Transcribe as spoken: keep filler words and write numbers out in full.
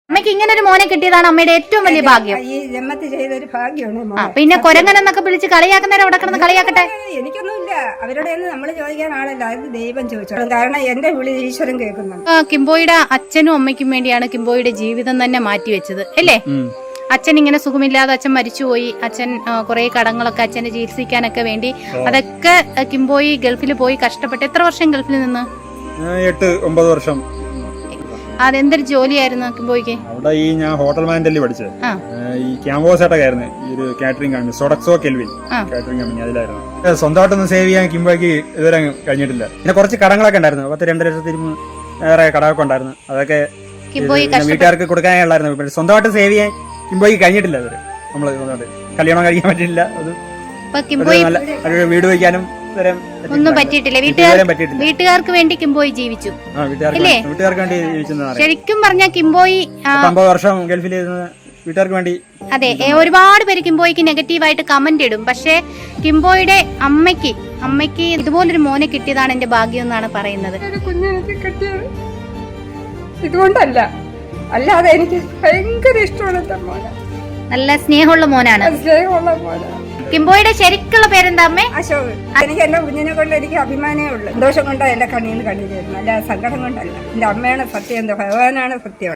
അമ്മയ്ക്ക് ഇങ്ങനെ ഒരു മോനെ കിട്ടിയതാണ് അമ്മയുടെ ഏറ്റവും വലിയ ഭാഗ്യം. ഈ ജന്മത്തിൽ ചെയ്തൊരു ഭാഗ്യമാണ്. ആ പിന്നെ കൊരങ്ങൻ എന്നൊക്കെ വിളിച്ച് കളിയാക്കുന്നവരെ അവിടെ കിടന്ന് കളിയാക്കട്ടെ. എനിക്കൊന്നുമില്ല, അവരുടെ നമ്മൾ ചോദിക്കാൻ ആളല്ല, അത് ദൈവം ചോദിച്ചോളും. കാരണം എന്റെ വിളി ഈശ്വരൻ കേൾക്കുന്നുണ്ട്. കിംബോയുടെ അച്ഛനും അമ്മയ്ക്കും വേണ്ടിയാണ് കിംബോയുടെ ജീവിതം തന്നെ മാറ്റിവെച്ചത് അല്ലേ? അച്ഛൻ ഇങ്ങനെ സുഖമില്ലാതെ അച്ഛൻ മരിച്ചുപോയി. അച്ഛൻ കുറെ കടങ്ങളൊക്കെ അച്ഛനെ ചികിത്സിക്കാനൊക്കെ വേണ്ടി അതൊക്കെ കിംബോയി ഗൾഫിൽ പോയി കഷ്ടപ്പെട്ട്. എത്ര വർഷം ഗൾഫിൽ നിന്ന്? എട്ട് ഒമ്പത് വർഷം. അതെന്തൊരു ജോലിയായിരുന്നു കിംബോയ്ക്ക്? അവിടെ ഈ ഞാൻ ഹോട്ടൽ മാനേജറിൽ പഠിച്ചത്. ഈ ക്യാമ്പോസ് ആയിട്ടൊക്കെയായിരുന്നു ഈ ഒരു catering company, Sodexo Kelvin catering company, അതിലായിരുന്നു. സ്വന്തമായിട്ടൊന്നും സേവ് ചെയ്യാൻ കിംബോയ്ക്ക് ഇതുവരെ കഴിഞ്ഞിട്ടില്ല. പിന്നെ കുറച്ച് കടങ്ങളൊക്കെ ഉണ്ടായിരുന്നു, പത്ത് രണ്ടര ലക്ഷത്തി ഏറെ കടമൊക്കെ ഉണ്ടായിരുന്നു. അതൊക്കെ വീട്ടുകാർക്ക് കൊടുക്കാനുള്ളായിരുന്നു. സ്വന്തമായിട്ട് സേവ് ചെയ്യാൻ കിംബോയ്ക്ക് കഴിഞ്ഞിട്ടില്ല. അതുവരെ നമ്മള് കല്യാണം കഴിക്കാൻ പറ്റില്ല, അത് വീട് വയ്ക്കാനും ഒന്നും പറ്റിയിട്ടില്ല. വീട്ടുകാർക്ക് വേണ്ടി കിംബോയി ജീവിച്ചു. വീട്ടുകാർക്ക് വേണ്ടി ശരിക്കും പറഞ്ഞ കിംബോയി അമ്പത് വർഷം ഗൾഫിൽ വീട്ടുകാർക്ക് വേണ്ടി. അതെ, ഒരുപാട് പേര് കിംബോയ്ക്ക് നെഗറ്റീവായിട്ട് കമന്റ് ഇടും. പക്ഷെ കിംബോയുടെ അമ്മയ്ക്ക് അമ്മയ്ക്ക് ഇതുപോലൊരു മോനെ കിട്ടിയതാണ് എന്റെ ഭാഗ്യം എന്നാണ് പറയുന്നത്. കുഞ്ഞെനിക്ക് കിട്ടിയത് ഇതുകൊണ്ടല്ല, അല്ലാതെ എനിക്ക് ഭയങ്കര ഇഷ്ടമാണ് മോനെ. നല്ല സ്നേഹമുള്ള മോനാണ്. സ്നേഹമുള്ള മോനാണ്. കിംബോയുടെ ശരിക്കുള്ള പേരെന്താ അമ്മേ? അശോക്. എനിക്ക് എന്റെ കുഞ്ഞിനെ കൊണ്ട് എനിക്ക് അഭിമാനമേ ഉള്ളൂ. സന്തോഷം കൊണ്ടാണ് എന്റെ കണ്ണീന്ന് കണ്ണീര് വരുന്നത്, അല്ല സങ്കടം കൊണ്ടല്ല. എന്റെ അമ്മയാണ് സത്യം, എന്റെ ഭഗവാനാണ് സത്യം.